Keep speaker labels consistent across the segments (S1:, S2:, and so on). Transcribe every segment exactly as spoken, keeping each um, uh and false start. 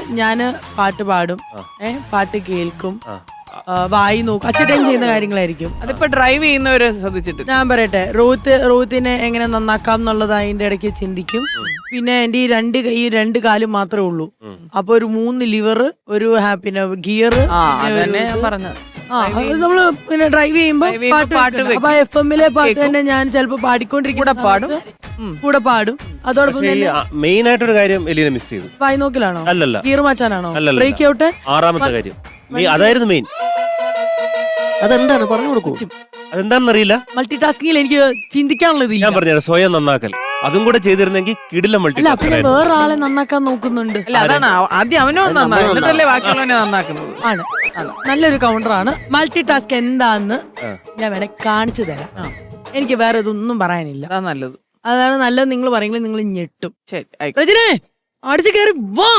S1: ഞാന് പാട്ട് പാടും, ഏഹ് പാട്ട് കേൾക്കും, വായി നോക്കും, അച്ചടക്കം ചെയ്യുന്ന കാര്യങ്ങളായിരിക്കും.
S2: അതിപ്പോ ഡ്രൈവ് ചെയ്യുന്നവര് ശ്രദ്ധിച്ചിട്ട്
S1: ഞാൻ പറയട്ടെ, റോത്ത് റോത്തിനെ എങ്ങനെ നന്നാക്കാം എന്നുള്ളത് അതിന്റെ ഇടയ്ക്ക് ചിന്തിക്കും. പിന്നെ എന്റെ ഈ രണ്ട് കൈ രണ്ട് കാലും മാത്രമേ ഉള്ളൂ. അപ്പൊ ഒരു മൂന്ന് ലിവർ, ഒരു പിന്നെ ഗിയർ,
S2: ഞാൻ പറഞ്ഞത്
S1: നമ്മള് പിന്നെ ഡ്രൈവ് ചെയ്യുമ്പോ പാട്ട് അപ്പൊ എഫ് എമ്മിലെ പാട്ട് തന്നെ ഞാൻ ചിലപ്പോ പാടിക്കൊണ്ടിരിക്കുന്ന പാടും കൂടെ പാടും. അതോടൊപ്പം തന്നെ
S3: മെയിൻ ആയിട്ടൊരു കാര്യം എലീന മിസ് ചെയ്തു.
S1: വായി നോക്കലാണോ?
S3: അല്ലല്ല.
S1: ഗിയർ മാറ്റാനാണോ? ബ്രേക്ക് ഔട്ട്
S3: ആറാമത്തെ കാര്യം അതായിരുന്നു മെയിൻ.
S4: അതെന്താണ് പറഞ്ഞു കൊടുക്കൂ.
S3: അതെന്താണെന്നറിയില്ല.
S1: മൾട്ടി ടാസ്കിങ്ങിൽ എനിക്ക് ചിന്തിക്കാനുള്ളത്
S3: ഞാൻ പറഞ്ഞു സ്വയം നന്നാക്കൽ. അതും കൂടെ ചെയ്തിരുന്നെങ്കിൽ കിടില മൾട്ടി ടാസ്ക്.
S1: വേറെ ആളെ നന്നാക്കാൻ നോക്കുന്നുണ്ട്.
S2: അല്ല അതാണ് ആദ്യം അവനോ നന്നാക്കുന്നല്ലേ ബാക്കിയുള്ളവനെ നന്നാക്കുന്നത്.
S1: ആണ് നല്ലൊരു കൗണ്ടറാണ്. മൾട്ടി ടാസ്ക് എന്താന്ന് ഞാൻ വേണേ കാണിച്ചു തരാം. എനിക്ക് വേറെ ഇതൊന്നും പറയാനില്ല.
S2: അതാ നല്ലത്.
S1: അതാണ് നല്ലത്. നിങ്ങൾ പറയുന്നത് നിങ്ങൾ ഞെട്ടും.
S2: ശരി
S1: രജനെ അടിച്ചു കയറി വാ.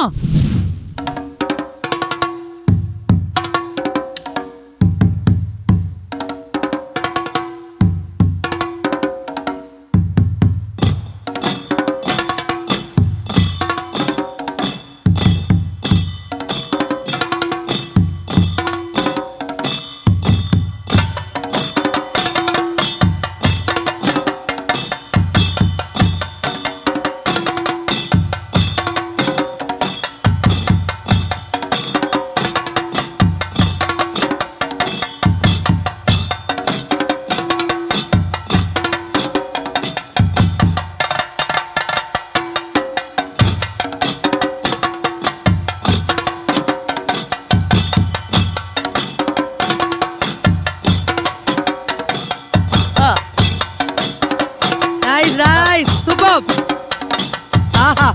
S1: ആഹാ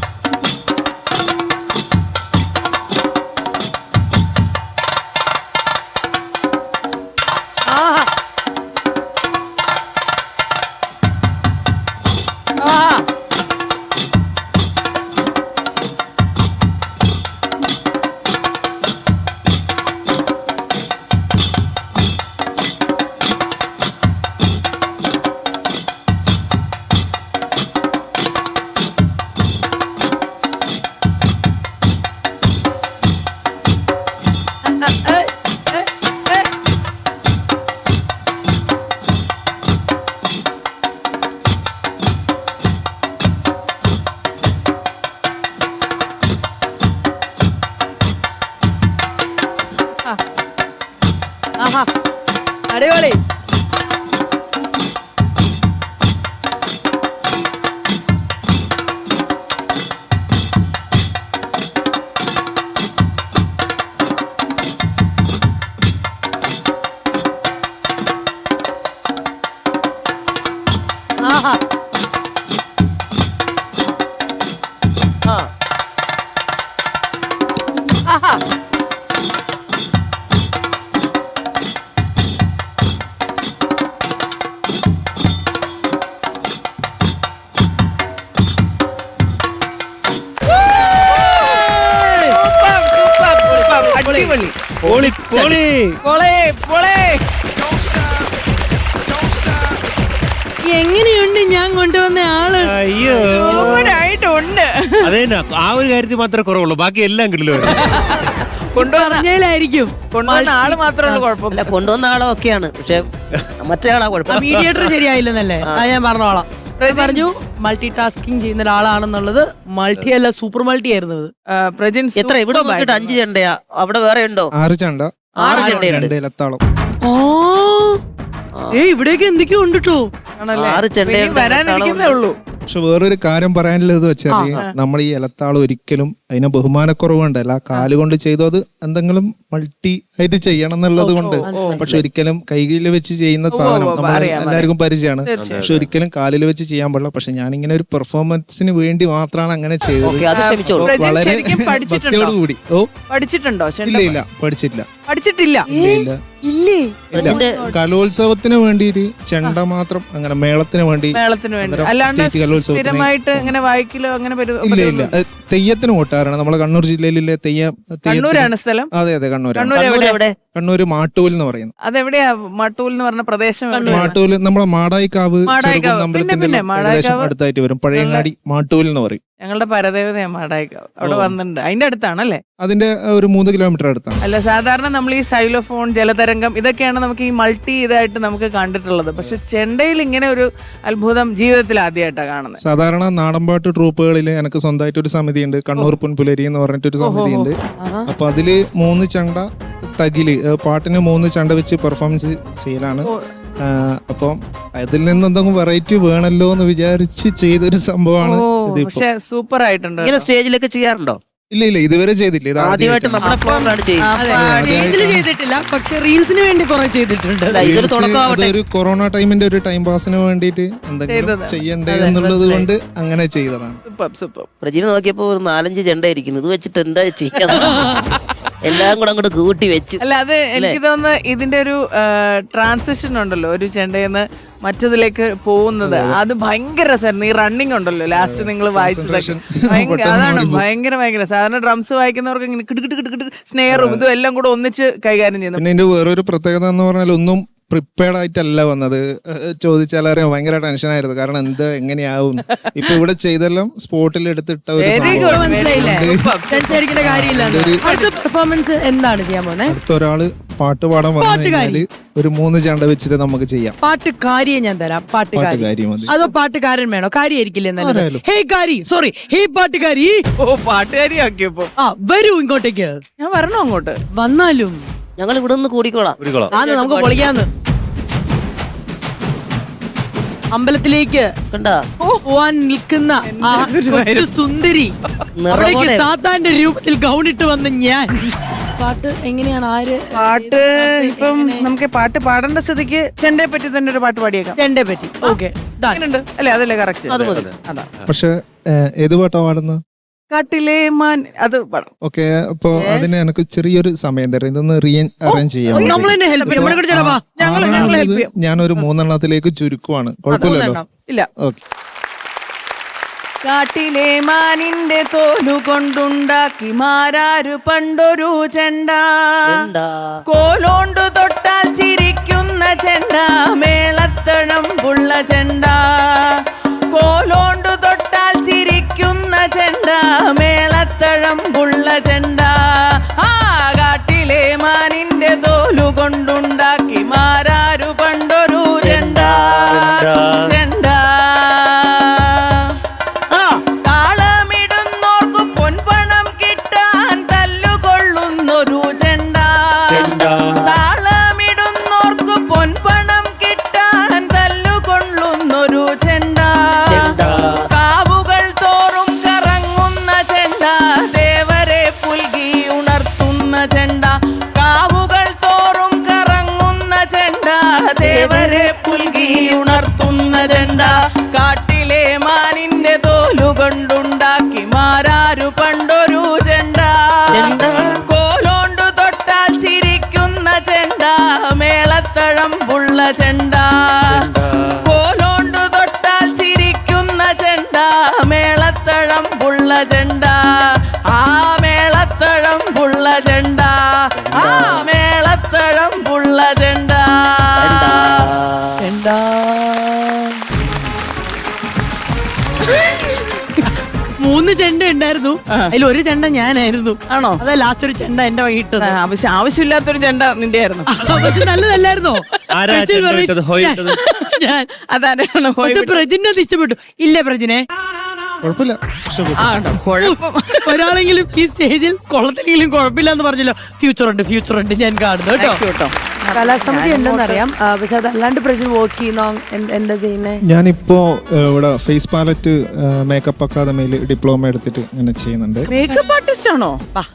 S1: ആഹാ ആഹാ ആഹാ അടിപൊളി. ആഹാ ആഹാ അടിപൊളി. എങ്ങനെയുണ്ട് ഞാൻ കൊണ്ടുവന്ന ആള്?
S3: അയ്യോ
S2: ആയിട്ടുണ്ട്.
S3: അതെ, ആ ഒരു കാര്യത്തിൽ മാത്രമേ കുറവുള്ളൂ, ബാക്കി എല്ലാം കിട്ടില്ല.
S1: കൊണ്ടുവന്നതിലായിരിക്കും.
S2: കൊണ്ടുവന്ന ആള് മാത്രമേ ഉള്ളൂ കുഴപ്പമില്ല.
S4: കൊണ്ടുവന്ന ആളോ ഒക്കെയാണ്, പക്ഷെ മറ്റേ ആളാ കുഴപ്പം.
S1: മീഡിയേറ്റർ ശരിയായില്ലെന്നല്ലേ? അത് ഞാൻ പറഞ്ഞോളാം. പറഞ്ഞു മൾട്ടി ടാസ്കിങ് ചെയ്യുന്ന ഒരാളാണെന്നുള്ളത്. മൾട്ടി അല്ല, സൂപ്പർ മൾട്ടി ആയിരുന്നത്.
S4: എത്ര ഇവിടെ നോക്കിട്ട് അഞ്ച് ചെണ്ടയാ? അവിടെ വേറെ ഉണ്ടോ?
S5: ആറ് ചെണ്ട,
S4: ആറ് ചെണ്ടയുണ്ട്.
S5: ഇലത്താളം.
S1: ഏ ഇവിടെയൊക്കെ എന്തൊക്കെയോ ഉണ്ട് കേട്ടോ.
S4: ആറ് ചെണ്ടയുണ്ട്,
S2: വരാനിരിക്കുന്നേ ഉള്ളൂ.
S5: പക്ഷെ വേറൊരു കാര്യം പറയാനുള്ളത് വെച്ചാൽ നമ്മൾ ഈ ഇലത്താളം ഒരിക്കലും അതിനെ ബഹുമാനക്കുറവുണ്ടല്ല, കാലുകൊണ്ട് ചെയ്തു അത് എന്തെങ്കിലും മൾട്ടി ആയിട്ട് ചെയ്യണം എന്നുള്ളത് കൊണ്ട്. പക്ഷെ ഒരിക്കലും കൈകളിൽ വെച്ച് ചെയ്യുന്ന സാധനം നമ്മൾ എല്ലാവർക്കും പരിചയമാണ്. പക്ഷെ ഒരിക്കലും കാലിൽ വെച്ച് ചെയ്യാൻ പാടില്ല. പക്ഷെ ഞാനിങ്ങനെ ഒരു പെർഫോമൻസിന് വേണ്ടി മാത്രമാണ് അങ്ങനെ ചെയ്തത്. വളരെ ഭക്തിയോടുകൂടി. ഓ
S2: പഠിച്ചിട്ടുണ്ടോ?
S5: ഇല്ല ഇല്ല പഠിച്ചിട്ടില്ല.
S2: പഠിച്ചിട്ടില്ല.
S5: ഇല്ല ഇല്ല കലോത്സവത്തിന് വേണ്ടിയിട്ട് ചെണ്ട മാത്രം, അങ്ങനെ മേളത്തിന് വേണ്ടി.
S2: മേളത്തിന് വേണ്ടി അല്ലാണ്ട് സ്ഥിരമായിട്ട് ഇങ്ങനെ വായിക്കലോ അങ്ങനെ?
S5: ഇല്ല ഇല്ല തെയ്യത്തിന് ഓട്ടാറാണ്. നമ്മളെ കണ്ണൂർ ജില്ലയിലെ തെയ്യം.
S2: കണ്ണൂരാണ് സ്ഥലം?
S5: അതെ അതെ കണ്ണൂർ.
S4: കണ്ണൂര്
S5: മാട്ടൂൽ എന്ന് പറയുന്നത്.
S2: അതെവിടെയാ മാട്ടൂൽ എന്ന് പറഞ്ഞ പ്രദേശം?
S5: മാട്ടൂല് നമ്മളെ മാടായിക്കാവ് അമ്പലത്തിന്റെ ഏകദേശം അടുത്തായിട്ട് വരും. പഴയങ്ങാടി മാട്ടൂൽ എന്ന് പറയും.
S2: ഞങ്ങളുടെ പരദേവതയാണ് മാടായിക്കാവ്. അവിടെ വന്നിട്ടുണ്ട്. അതിന്റെ അടുത്താണല്ലേ?
S5: അതിന്റെ ഒരു മൂന്ന് കിലോമീറ്റർ അടുത്താണ്.
S2: അല്ല, സാധാരണ നമ്മൾ ഈ സൈലോഫോൺ, ജലതരംഗം ഇതൊക്കെയാണ് നമുക്ക് ഈ മൾട്ടി ഇതായിട്ട് നമുക്ക് കണ്ടിട്ടുള്ളത്. പക്ഷെ ചെണ്ടയിൽ ഇങ്ങനെ ഒരു അത്ഭുതം ജീവിതത്തിൽ ആദ്യമായിട്ടാണ് കാണുന്നത്.
S5: സാധാരണ നാടൻപാട്ട് ട്രൂപ്പുകളിൽ എനിക്ക് സ്വന്തമായിട്ട് ഒരു സമിതി ഉണ്ട്, കണ്ണൂർ പുൻപുലരി എന്ന് പറഞ്ഞിട്ടൊരു സമിതി ഉണ്ട്. അപ്പൊ അതില് മൂന്ന് ചണ്ട തകില് പാട്ടിന് മൂന്ന് ചണ്ട വെച്ച് പെർഫോമൻസ് ചെയ്യലാണ്. അപ്പം അതിൽ നിന്ന് എന്തെങ്കിലും വെറൈറ്റി വേണല്ലോ എന്ന് വിചാരിച്ച് ചെയ്തൊരു സംഭവമാണ് ഇതിപ്പോ.
S2: പക്ഷെ സൂപ്പർ ആയിട്ടുണ്ട്.
S4: ഇങ്ങനെ സ്റ്റേജിലൊക്കെ ചെയ്യാറുണ്ടോ?
S5: ഇല്ല ഇല്ല ഇതുവരെ ചെയ്തില്ല. ഇത്
S4: ആദ്യമായിട്ട് നമ്മുടെ ഫോണിലാണ് ചെയ്യുന്നത്.
S1: സ്റ്റേജിൽ ചെയ്തിട്ടില്ല, പക്ഷെ റീൽസിന് വേണ്ടി കുറെ ചെയ്തിട്ടുണ്ട്.
S4: ഇതൊരു തുടക്കമാവട്ടെ.
S5: അതൊരു കൊറോണ ടൈമിന്റെ ഒരു ടൈം പാസിന് വേണ്ടിയിട്ട് എന്തെങ്കിലും ചെയ്യണ്ടേ എന്നുള്ളത് കൊണ്ട് അങ്ങനെ ചെയ്തതാണ്.
S2: Super super.
S4: പ്രജിനെ നോക്കിയപ്പോ ഒരു നാലഞ്ച് ചെണ്ട ഇരിക്കുന്നു. ഇത് വെച്ചിട്ട് എന്താ ചെയ്യണം? എല്ലാം കൂടെ അങ്ങോട്ട് കൂട്ടി വെച്ചു.
S2: അല്ല, അത് എനിക്ക് തോന്നുന്നു ഇതിന്റെ ഒരു ട്രാൻസിഷൻ ഉണ്ടല്ലോ, ഒരു ചെണ്ടയെന്ന് മറ്റതിലേക്ക് പോകുന്നത്. അത് ഭയങ്കര രസമായിരുന്നു. ഈ റണ്ണിങ് ഉണ്ടല്ലോ ലാസ്റ്റ് നിങ്ങൾ വായിച്ചതൊക്കെ ഭയങ്കര, അതാണ് ഭയങ്കര ഭയങ്കര. സാധാരണ ഡ്രംസ് വായിക്കുന്നവർക്ക് ഇങ്ങനെ കിടുകിട്ട് കിടുകിട്ട് സ്നേഹറും ഇതും എല്ലാം കൂടെ ഒന്നിച്ച് കൈകാര്യം ചെയ്യുന്നു.
S5: പിന്നെ ഇതിന്റെ വേറൊരു പ്രത്യേകത എന്ന് പറഞ്ഞാൽ ഒന്നും പ്രിപ്പയർഡ് ആയിട്ടല്ല വന്നത്. ചോദിച്ചാൽ അറിയാം, ഭയങ്കര ടെൻഷനായിരുന്നു. കാരണം എന്താ എങ്ങനെയാവും. ഇപ്പൊ ഇവിടെ ചെയ്തെല്ലാം സ്പോട്ടിൽ എടുത്തിട്ട ഒരു
S1: ടെൻഷൻ കാര്യമില്ല. അടുത്ത പെർഫോമൻസ് എന്താണ് ചെയ്യാൻ പോകുന്നത്?
S5: അടുത്ത ഒരാള് പാട്ട് പാടാൻ വന്നു കഴിഞ്ഞാല് ഒരു മൂന്ന് ചണ്ട വെച്ചിട്ട് നമുക്ക് ചെയ്യാം.
S1: പാട്ടുകാരിയെ ഞാൻ തരാം. പാട്ടുകാരി
S5: പാട്ടുകാരി മതി.
S1: അതോ പാട്ടുകാരൻ വേണോ? കാര്യായിരിക്കില്ലേ നല്ലത്? ഹേ കാരി, സോറി, ഹേ പാട്ടുകാരി.
S2: ഓ, പാട്ടുകാരി ആക്കിയപ്പോ
S1: ആ വരൂ ഇങ്ങോട്ടേക്ക്.
S2: ഞാൻ വരണോ അങ്ങോട്ട്?
S1: വന്നാലും
S4: ഞങ്ങൾ ഇവിടെ നിന്ന് കൂടിക്കോളാം.
S1: ആന്ന് നമുക്ക് പൊളിക്കാന്ന്. അമ്പലത്തിലേക്ക്
S4: കണ്ടാ
S1: പോവാൻ നിൽക്കുന്ന ആ കൊച്ചു സുന്ദരി, അവിടേക്ക് സാത്താന്റെ രൂപത്തിൽ ഗൗണിട്ട് വന്ന ഞാൻ. പാട്ട് എങ്ങനെയാണ്? ആര്
S2: പാട്ട്? ഇപ്പം നമുക്ക് പാട്ട് പാടേണ്ട സ്ഥിതിക്ക് ചെണ്ടയെ പറ്റി തന്നെ ഒരു പാട്ട് പാടിയേക്കാം.
S1: ചെണ്ടയെ പറ്റി. ഓക്കെ,
S2: അല്ലേ? അതല്ലേ കറക്റ്റ്? അതാ.
S5: പക്ഷെ ഏത് പാട്ടാ പാടുന്നത്?
S2: കാട്ടിലെ മാൻ, അത് പാടാം.
S5: ഓക്കെ, അപ്പൊ അതിന് എനിക്ക് ചെറിയൊരു സമയം തരാം. ഇതൊന്ന് റീ അറേഞ്ച് ചെയ്യാം.
S1: നമ്മൾ തന്നെ ഹെൽപ്പ് ചെയ്യാം.
S5: ഞാനൊരു മൂന്നെണ്ണത്തിലേക്ക് ചുരുക്കുവാണ്. കുഴപ്പമില്ലല്ലോ?
S2: ഇല്ല.
S5: ഓക്കെ.
S2: കാട്ടിലെ മാനിന്റെ തോലു കൊണ്ടുണ്ടാക്കി മാരാരു പണ്ടൊരു ചെണ്ട, കോലോണ്ടു തൊട്ടാൽ ചിരിക്കുന്ന ചെണ്ട, മേളത്തണം പുള്ള ചെണ്ട. കോലോണ്ടു തൊട്ടാൽ ചിരിക്കുന്ന ചെണ്ട, മേളത്തഴം പുള്ള ചെണ്ട. ആ കാട്ടിലെ മാനിന്റെ തോലു കൊണ്ടുണ്ടാക്കി മാരാരു പണ്ടൊരു ചെണ്ട. ചെണ്ട താളമിടുന്നോർക്കു പൊൻപണം കിട്ടാൻ തല്ലുകൊള്ളുന്നൊരു ചെണ്ട. താളമിടുന്നോർക്കു പൊൻപണം കിട്ടാൻ തല്ലുകൊള്ളുന്നൊരു ചെണ്ട. കാവുകൾ തോറും കറങ്ങുന്ന ചെണ്ട, ദേവരെ പുൽകി ഉണർത്തുന്ന ചെണ്ട. കാവുകൾ തോറും കറങ്ങുന്ന ചെണ്ട, ദേവരെ പുൽകി ഉണർത്തുന്ന ചെണ്ട. കാട്ടിലെ മാനിന്റെ തോലു കൊണ്ടുണ്ടാക്കി മാരാരു പണ്ടൊരു ചെണ്ട. കോലോണ്ടു തൊട്ടാൽ ചിരിക്കുന്ന ചെണ്ട, മേളത്തഴം പുള്ള ചെണ്ട. കോലോണ്ടു തൊട്ടാൽ ചിരിക്കുന്ന ചെണ്ട, മേളത്തഴം പുള്ള ചെണ്ട. ആ മേളത്തഴം പുള്ള ചെണ്ട, ആ മേളത്തഴം പുള്ള ചെണ്ട. ചെണ്ട
S1: മൂന്ന് ചെണ്ട ഉണ്ടായിരുന്നു, അതിൽ ഒരു ചെണ്ട ഞാനായിരുന്നു.
S2: ആണോ?
S1: അതാ ലാസ്റ്റ് ഒരു ചെണ്ട എന്റെ വൈകിട്ടത്.
S2: ആവശ്യം ആവശ്യമില്ലാത്തൊരു ചെണ്ട നിന്റെ ആയിരുന്നു.
S1: പക്ഷെ നല്ലതല്ലായിരുന്നോ?
S3: ആരാ ചെണ്ട ഇട്ടത്? ഹോയ് ഇട്ടത്?
S1: ഞാൻ.
S2: അതാണ്
S1: പ്രജിനെ അത് ഇഷ്ടപ്പെട്ടു. ഇല്ലേ പ്രജിനെ?
S5: കുഴപ്പമില്ല,
S2: കുഴപ്പം.
S1: ഒരാളെങ്കിലും ഈ സ്റ്റേജിൽ കൊള്ളത്തിലെങ്കിലും കുഴപ്പമില്ല എന്ന് പറഞ്ഞല്ലോ. ഫ്യൂച്ചർ ഉണ്ട്, ഫ്യൂച്ചർ ഉണ്ട്, ഞാൻ കാണുന്നു കേട്ടോ.
S2: കേട്ടോ,
S1: കലാസമിതി ഉണ്ടെന്നറിയാം. പക്ഷെ അതല്ലാണ്ട് പ്രജി വർക്ക് ചെയ്യുന്ന എന്താ ചെയ്യുന്നത്?
S5: ഞാനിപ്പോ ഇവിടെ ഫേസ് പാലറ്റ് മേക്കപ്പ് അക്കാദമിയിൽ ഡിപ്ലോമ എടുത്തിട്ട് ഇങ്ങനെ ചെയ്യുന്നുണ്ട്.
S2: മേക്കപ്പ് ആർട്ടിസ്റ്റ് ആണോ?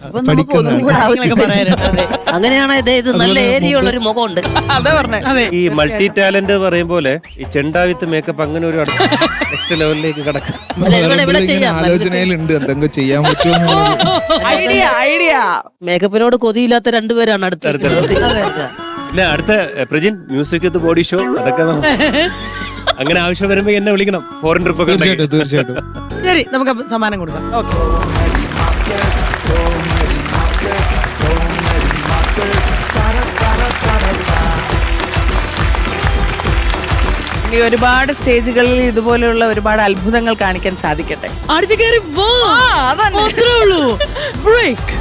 S4: അങ്ങനെയാണ്. ഇത് നല്ല ഏരിയ ഉള്ള ഒരു മുഖമുണ്ട്.
S2: അതാ പറഞ്ഞേ.
S3: ഈ മൾട്ടി ടാലന്റ് പറയും പോലെ ഈ ചെണ്ട വിത്ത് മേക്കപ്പ് അങ്ങനെ ഒരു നെക്സ്റ്റ് ലെവലിലേക്ക് കടക്കും.
S5: ആലോചനയിലുണ്ട് എന്തെങ്കിലും ചെയ്യാൻ പറ്റുമോ.
S2: ഐഡിയ ഐഡിയ
S4: മേക്കപ്പിനോട് കൊതിയില്ലാത്ത രണ്ടുപേരാണ് അടുത്ത്.
S3: പിന്നെ അടുത്ത Prajin music with body show, അതൊക്കെ അങ്ങനെ ആവശ്യം വരുമ്പോ എന്നെ വിളിക്കണം. ഫോറിൻ ട്രിപ്പ് ഒക്കെ.
S5: തീർച്ചയായിട്ടും തീർച്ചയായിട്ടും.
S1: ശരി, നമുക്ക് സമ്മാനം കൊടുക്കാം. ഓക്കെ.
S2: ഇനി ഒരുപാട് സ്റ്റേജുകളിൽ ഇതുപോലെയുള്ള ഒരുപാട് അത്ഭുതങ്ങൾ കാണിക്കാൻ സാധിക്കട്ടെ.
S1: അടിച്ചു കയറി വാ.
S2: ആ, അതന്നെ.
S1: അത്രേ ഉള്ളൂ. ബ്രേക്ക്.